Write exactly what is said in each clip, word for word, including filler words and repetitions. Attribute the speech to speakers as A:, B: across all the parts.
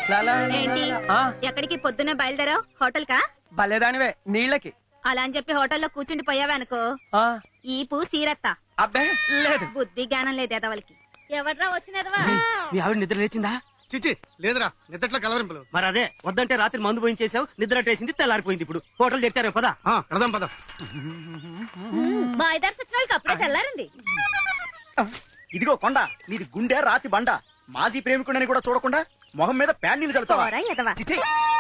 A: ఏంటి ఎక్కడికి పొద్దున్నే బయలుదేరావు? హోటల్ కా?
B: భలేదానివే నీళ్ళకి.
A: అలా అని చెప్పి హోటల్లో కూర్చుండి పోయావనుకో ఈపు సీరత్తా.
B: అబ్బే లేదు,
A: బుద్ధి జ్ఞానం లేదు ఎదవలకి. ఎవడ్రా వచ్చినదవా?
C: మీ ఆవిడ నిద్ర లేచిందా?
D: చిచి లేదురా, నిద్రట్లో కలవరింపులు.
C: మరి అదే వద్దంటే రాత్రి మందు పోయించేసావు, నిద్ర అట్టేసింది, తెల్లారిపోయింది. ఇప్పుడు హోటల్ తెచ్చారే పదా.
D: కడదాం పద.
A: మా ఐదారు సచివాలకి అప్పుడే తెల్లారండి.
C: ఇదిగో కొండ, నీది గుండె రాతి బండ. మాజీ ప్రేమికుడని కూడా చూడకుండా మొహం మీద ప్యాన్ నీళ్ళు చల్లుతావా? చిచి.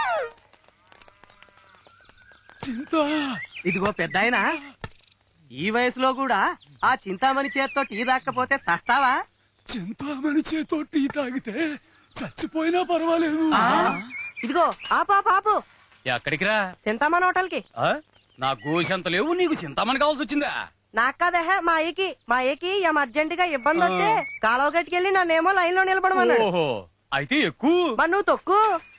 C: ఇదిగో పెద్ద ఆయన, ఈ వయసులో కూడా ఆ చింతామణి చేత్తో టీ దాక్కపోతే చస్తావా?
E: చింతామణి చేత్తో టీ తాగితే చచ్చిపోయినా పర్వాలేదు.
B: ఇదిగో ఆపా పాపు.
E: ఎక్కడికి రా?
B: చింతామణి హోటల్ కి.
E: నా గోసంత లేవు, నీకు చింతామణి కావాల్సి వచ్చిందా?
B: నాకు కాదహ మా అయ్యకి. మా అయ్యకి ఏం అర్జెంట్ గా ఇబ్బంది వస్తే కాలువ గట్టుకెళ్ళి నన్నేమో లైన్ లో నిలబడమన్నాడు.
E: ఓహో, అయితే ఎక్కువ.
B: మరి నువ్వు తొక్కు.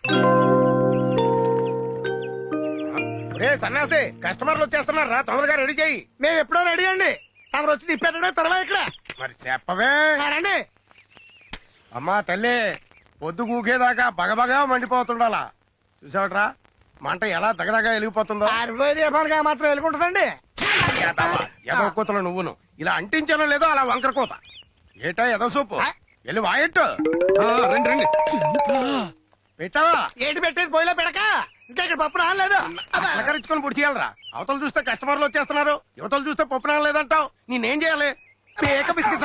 D: సన్నాసి, కస్టమర్లు వచ్చేస్తున్నారు రా, తొందరగా రెడీ చేయి. మేము ఎప్పుడో రెడీ అండి, తమరు వచ్చి తిప్పేటడే తర్వాత ఇక్కడ. మరి చెప్పవే రండి. అమ్మా తల్లి, పొద్దు కూకేదాకా బగబగా మండిపోతుండాలా. చూసావట్రా మంట ఎలా దగదగా వెలిగిపోతుందో. మాత్రం వెలుగుంటుందండి. ఎదవ కూతలు నువ్వును ఇలా అంటించానో లేదో అలా వంకర కూత. ఏటా ఎదవ సూపు వెళ్ళి వాయట్టు. రండి రండి. పెట్టావా? ఏంటి పెట్టేది పోయిలో పెడక. ఇంకా ఇక్కడ పప్పు రాలేదు. అలకరించుకొని పొడి చేయాలరా. అవతలు చూస్తే కస్టమర్లు వచ్చేస్తున్నారు, యువతలు చూస్తే పప్పు రాలేదంటావు. నేనేం చేయాలి? ఏక బిస్కెట్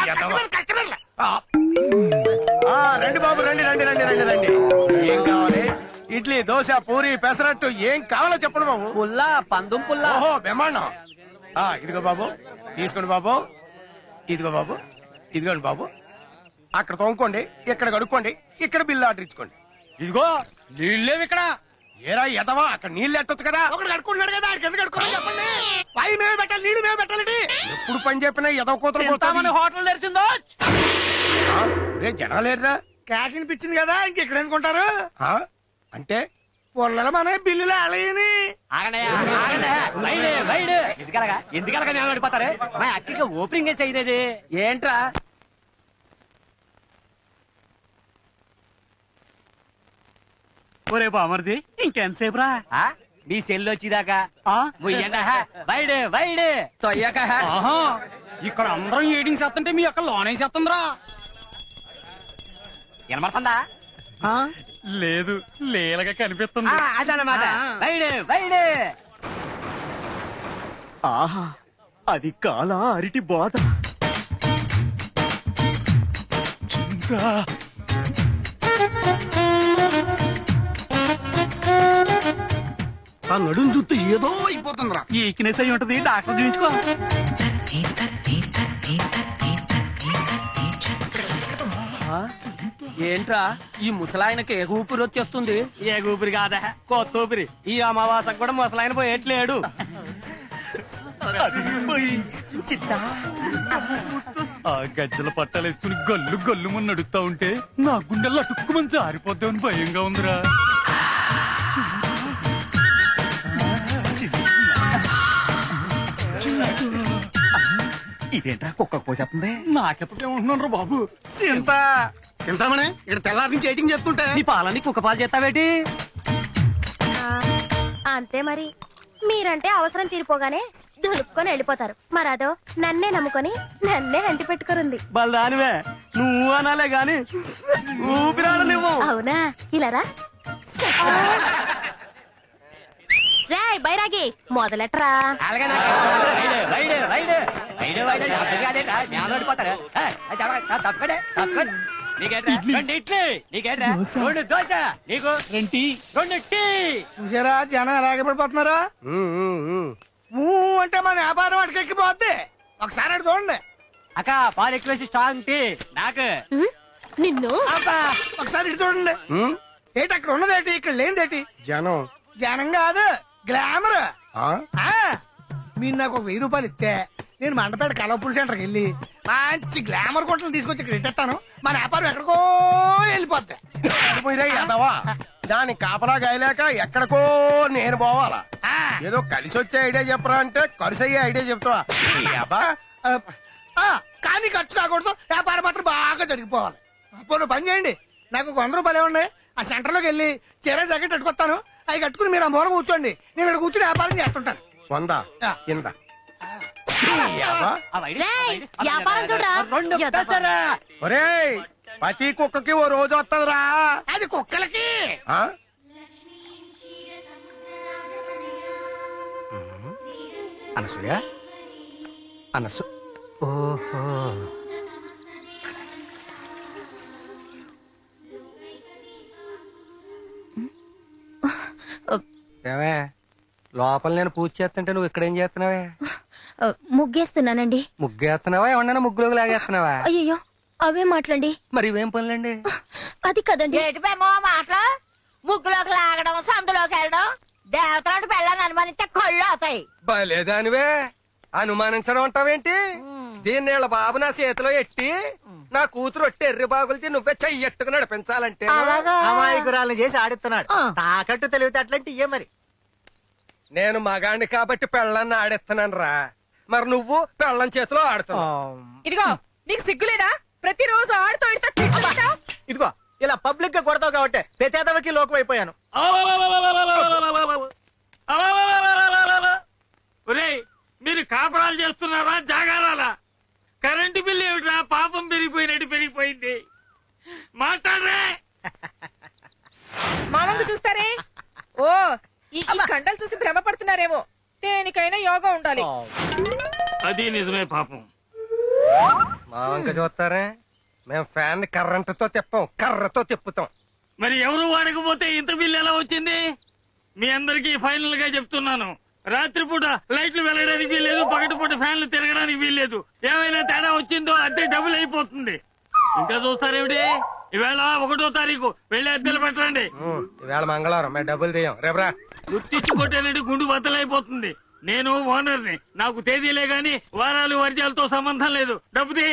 D: రండి బాబు, రండి రండి రండి రండి రండి. ఏం కావాలి? ఇడ్లీ, దోశ, పూరి, పెసరట్టు ఏం కావాలో చెప్పండి బాబు.
B: పుల్లా, పందుం పుల్లా.
D: ఓహో బ్రహ్మాండం. ఇదిగో బాబు తీసుకోండి బాబు. ఇదిగో బాబు, ఇదిగోండి బాబు. అక్కడ తోముకోండి, ఇక్కడ కడుక్కోండి, ఇక్కడ బిల్లు ఆర్డర్ ఇచ్చుకోండి.
E: ఇదిగో నీళ్ళేవి ఇక్కడ.
D: ఏరా ఎదవా, అక్కడ నీళ్ళు ఎట్టొచ్చు కదా. ఒకటి కడుకుంటున్నాడు కదా, కింద కడుక్కోమని చెప్పండి. పై మేమే పెట్టాలి, నీళ్ళు మేమే పెట్టాలి. ఎప్పుడు పని చెప్పినా ఎదవ కూతురు
B: హోటల్ తెరిచిందో.
D: రే జనాలేరా, క్యాష్ అనిపించింది కదా, ఇంకెక్కడ అనుకుంటారు. అంటే పొల్లల మన బిల్లులు అలయని.
B: ఎందుకలగా మేము పడిపోతారు? మా అక్కడికి ఓపెనింగ్ చేయలేదు ఏంట్రా?
C: ఒరే బామర్ది, ఇంకెంతసేపు రా?
B: మీ సెల్ వచ్చిదాకా వైడ్ వైడ్ తొయ్యక.
E: ఇక్కడ అందరం ఏడింగ్ చేస్తుంటే మీ అక్క లోనే చేస్తుందిరా.
B: వినమడుతుందా?
E: లేదు, లేలగా కనిపిస్తుంది.
B: అదనమాట వైడ్ వైడ్.
C: ఆహా, అది కాల అరిటి బోధ.
D: ఆ నడుము చూస్తే ఏదో అయిపోతుందిరా.
C: ఈక్నెస్ అయి ఉంటది, డాక్టర్ చూపించుకో.
B: ఏంట్రా ఈ ముసలాయనకి ఏ ఊపిరి వచ్చేస్తుంది?
C: ఏ ఊపిరి కాదా, కొత్త ఊపిరి. ఈ అమావాసకు కూడా ముసలాయన పోయేట్లేడు.
E: ఆ గజ్జల పట్టాలేసుకుని గల్లు గల్లు ముని నడుస్తా ఉంటే నా గుండెల్లో అటుక్కుమని జారిపోద్దామని భయంగా ఉందిరా.
C: ఇదేంట్రా కుక్క పోసేస్తుంది?
E: నాకెప్పుడేమంటున్నాను రా బాబు.
D: చింత చింతామణి, ఇక్కడ తెల్లారి నుంచి ఎయిటింగ్ చేస్తుంటే
C: నీ పాలని కుక్క పాలు చేస్తావేటి?
A: అంతే మరి. మీరంటే అవసరం తీరిపోగానే దులుపుకొని వెళ్ళిపోతారు. మరదో నన్నే నమ్ముకొని నన్నే అంటి పెట్టుకురుంది.
C: బలదానివే, నువ్వు అనాలే గాని ఊపిరాడలేవు.
A: అవునా? ఇలారా రే బైరాగి మొదలెట్రా.
D: చూసారా జనం ఎలాగే పడిపోతున్నారా. అంటే మన వ్యాపారం అటుకెక్కిపోద్ది. ఒకసారి అటు చూడండి.
B: అక్క పాలు ఎక్కువ స్ట్రాంగ్ టీ నాకు.
A: నిన్ను
D: ఒకసారి ఇటు చూడండి. ఏంటి అక్కడ ఉన్నదేటి, ఇక్కడ లేనిదేటి? జనం. జనం కాదు, గ్లామర్. మీరు నాకు ఒక వెయ్యి రూపాయలు ఇస్తే నేను మండపేట కలవపూల్ సెంటర్కి వెళ్ళి మంచి గ్లామర్ గుంటలు తీసుకొచ్చి ఇక్కడ ఇట్టేస్తాను. మన వ్యాపారం ఎక్కడికో వెళ్ళిపోద్ది. దాని కాపలా గాయలేక ఎక్కడికో నేను పోవాలా? ఏదో కలిసి వచ్చే ఐడియా చెప్పరా అంటే ఖర్చు అయ్యే ఐడియా చెప్తావా? కానీ ఖర్చు కాకూడదు, వ్యాపారం మాత్రం బాగా జరిగిపోవాలి. అప్పుడు పని చేయండి, నాకు ఒక వంద రూపాయలు ఇవ్వండి. ఆ సెంటర్ లోకి వెళ్ళి చీర జాకెట్ కట్టుకొస్తాను. అవి కట్టుకుని మీరు ఆ మూల కూర్చోండి, నేను ఇక్కడ కూర్చుని వ్యాపారం చేస్తుంటాను. వంద ఇంద
A: రేయ్, వ్యాపారం చూడరా ఎదవ.
D: ఒరేయ్, ప్రతి కుక్కకి ఓ రోజు వస్తుందిరా. అది కుక్కలకి. ఆ? అనసూయ అనసు ఓహో ఏమే, లోపల నేను పూజ చేస్తుంటే నువ్వు ఇక్కడేం చేస్తున్నావే?
A: ముగ్గేస్తున్నానండి.
D: ముగ్గేస్తున్నావా ఏమన్నా ముగ్గులోకి లాగేస్తున్నావా?
A: అయ్యో అవే మాట్లాడండి.
D: మరి ఇవేం పనులండి?
A: అది కదండి.
F: ఏటిపేమో మాటలు, ముగ్గులోకి లాగడం, సందులోకి వెళ్ళడం, దేవతలాంటి పెళ్ళని అనుమానిస్తే కళ్ళు అవుతాయి.
D: బలేదానివే, అనుమానించడం అంటావేంటి? దీన్ని వీళ్ళ బాబు నా చేతిలో ఎట్టి నా కూతురు ఒట్టి ఎర్రి బాగులతో నువ్వే చెయ్యట్టుకు నడిపించాలంటే
C: అమాయకురాలను చేసి ఆడిస్తున్నాడు. తాకట్టు తెలివితే అట్లాంటి ఇయ్యే మరి.
D: నేను మగాణ్ణి కాబట్టి పెళ్ళాన్ని ఆడిస్తున్నాను రా, మరి నువ్వు పెళ్ళం చేతిలో ఆడుతున్నావు.
F: ఇదిగో నీకు సిగ్గులేదా? ప్రతిరోజు ఆడుతూ ఇడుతూ తిట్టుకుంటావ్.
C: ఇదిగో ఇలా పబ్లిక్ గా కొడతావు కాబట్టి ప్రతేదవకి లోకం అయిపోయాను.
E: ఒరేయ్, మీరు కాపురాలు చేస్తున్నారా జాగారాలా? కరెంటు బిల్లు ఏమిట్రా పాపం పెరిగిపోయినట్టు పెరిగిపోయింది. మాట్లాడరే.
F: మామంగు చూస్తారే. ఓ ఈ ఈ కండలు చూసి భ్రమపడుతున్నారేమో. దేనికైనా యోగా ఉండాలి.
E: అది నిజమే పాపం.
D: మా వంక చూస్తారే, మేము ఫ్యాన్ కర్రంటతో తిప్పాం, కర్రతో తిప్పుతాం.
E: మరి ఎవరు వాడకపోతే ఇంత బిల్లు ఎలా వచ్చింది? మీ అందరికీ ఫైనల్ గా చెప్తున్నాను, రాత్రిపూట లైట్లు వెళ్ళడానికి వీల్లేదు, పగటిపూట ఫ్యాన్లు తిరగడానికి వీల్లేదు. ఏమైనా తేడా వచ్చిందో అద్దె డబుల్ అయిపోతుంది. ఇంకా చూస్తారేమిటి? ఈవేళ ఒకటో తారీఖు వెళ్ళి అద్దెలు పెట్టండి.
D: ఈవేళ మంగళవారం మేము డబ్బులు తీయం, రేపరా.
E: గుర్తించి కొట్టేనండి గుండు బద్దలైపోతుంది. నేను ఓనర్ని, నాకు తేదీలే గాని వారాలు వర్జాలతో సంబంధం లేదు. డబ్బు తీ.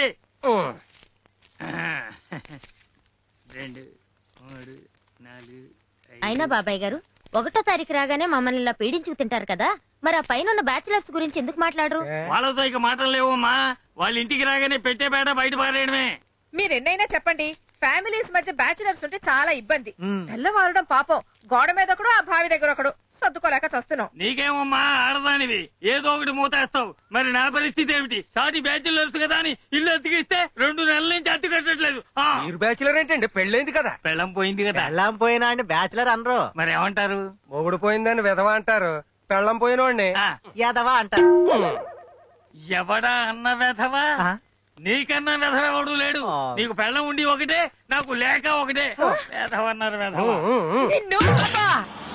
E: రెండు మూడు నాలుగు
A: అయినా బాబాయ్ గారు ఒకటో తారీఖు రాగానే మమ్మల్ని ఇలా పీడించుకు తింటారు కదా, మరి ఆ పైన ఉన్న బ్యాచిలర్స్ గురించి ఎందుకు మాట్లాడరు?
E: వాళ్ళతో ఇక మాటలు లేవమ్మా. వాళ్ళ ఇంటికి రాగానే పెట్టే బేట బయట పారేయడమే.
F: మీరెన్నైనా చెప్పండి, ఫ్యామిలీస్ మధ్య బ్యాచులర్స్ ఉంటే చాలా ఇబ్బంది. తెల్లవారడం పాపం, గోడ మీద ఒకడు, ఆ బావి దగ్గర ఒకడు, సర్దుకోలేక చస్తున్నాం.
E: నీకేమమ్మా ఆడదానివి, ఏదో ఒకటి మూతేస్తావు. మరి నా పరిస్థితి ఏమిటి? సాటి బ్యాచులర్స్ కదా అని ఇల్లు అతికిస్తే రెండు నెలల నుంచి అత్తి కట్టట్లేదు. ఆ,
D: మీరు బ్యాచులర్ ఏంటండి? పెళ్ళైంది కదా.
E: పెళ్ళం పోయింది కదా.
C: పెళ్ళాం పోయినా అని బ్యాచులర్ అనరు,
E: మరి ఏమంటారు?
D: మొగుడు పోయిందని విధవ అంటారు, పెళ్ళం పోయినోడిని
E: ఆ,
C: యాదవా అంటారు.
E: ఎవడా అన్న వెధవా?
C: ఆ?
E: నీకన్నా వెధవ ఎవడు లేడు.
C: ఆ.
E: నీకు పెళ్ళం ఉండి ఒకటే, నాకు లేక ఒకటే. వెధవన్నారు వెధవ.
F: నిన్ను అబ్బా!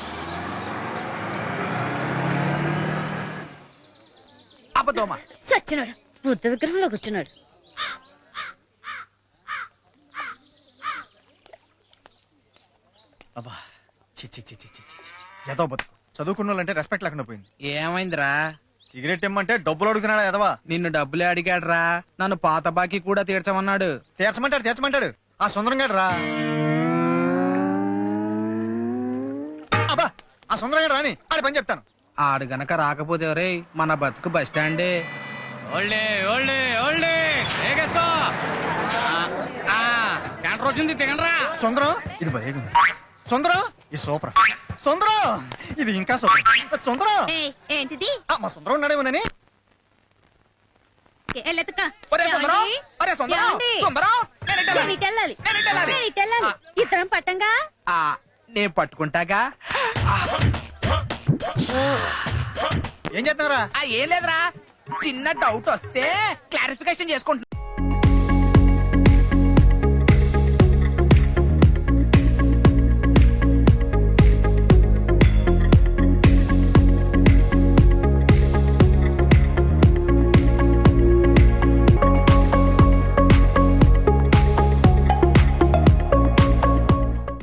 C: అబద్ధమా?
A: చచ్చినాడు, బుద్ధ విగ్రహంలో కూర్చున్నాడు.
C: అబ్బా, చి చి చి చి చి చి చి. ఎదవ బతుకు. చదువుకున్న వాళ్ళంటే రెస్పెక్ట్ లేకుండా పోయింది.
G: ఏమైందిరా?
C: సిగరెట్ ఇమ్మంటే డబ్బులు అడుగుతున్నాడు ఎదవా.
G: నిన్ను డబ్బులే అడిగాడ్రా, నన్ను పాత బాకీ కూడా తీర్చమన్నాడు.
C: తీర్చమంటాడు తీర్చమంటాడు ఆ సుందరం గారు రా. అబ్బా, ఆ సుందరం గారు రాని ఆడి పని చెప్తాను.
G: ఆడు గనక రాకపోతే రే మన బతుకు బస్ స్టాండే. ఓల్డే ఓల్డే ఓల్డే ఏగేస్కో. ఆ, ఆ, సెంటర్ వచ్చింది దిగండ్రా.
C: సుందరం ఇది భలే ఉంది. సుందరం ఇది సూపర్. సుందరం ఇది ఇంకా సూపర్. సుందరం
A: ఏంటిది?
C: ఆ, మా సుందరం ఉన్నాడేమోనని.
G: ఒరే సుందరం, ఒరే సుందరం, సుందరం, నేను ఇటు వెళ్ళాలి.
A: వెళ్ళాలి
G: నేను ఇటు వెళ్ళాలి.
A: ఇద్దరం పట్టంగా.
G: ఆ, నేను పట్టుకుంటాగా.
C: ఏం చేస్తున్నారా?
G: ఆ, ఏం లేదురా, చిన్న డౌట్ వస్తే క్లారిఫికేషన్ చేసుకుంటున్నా.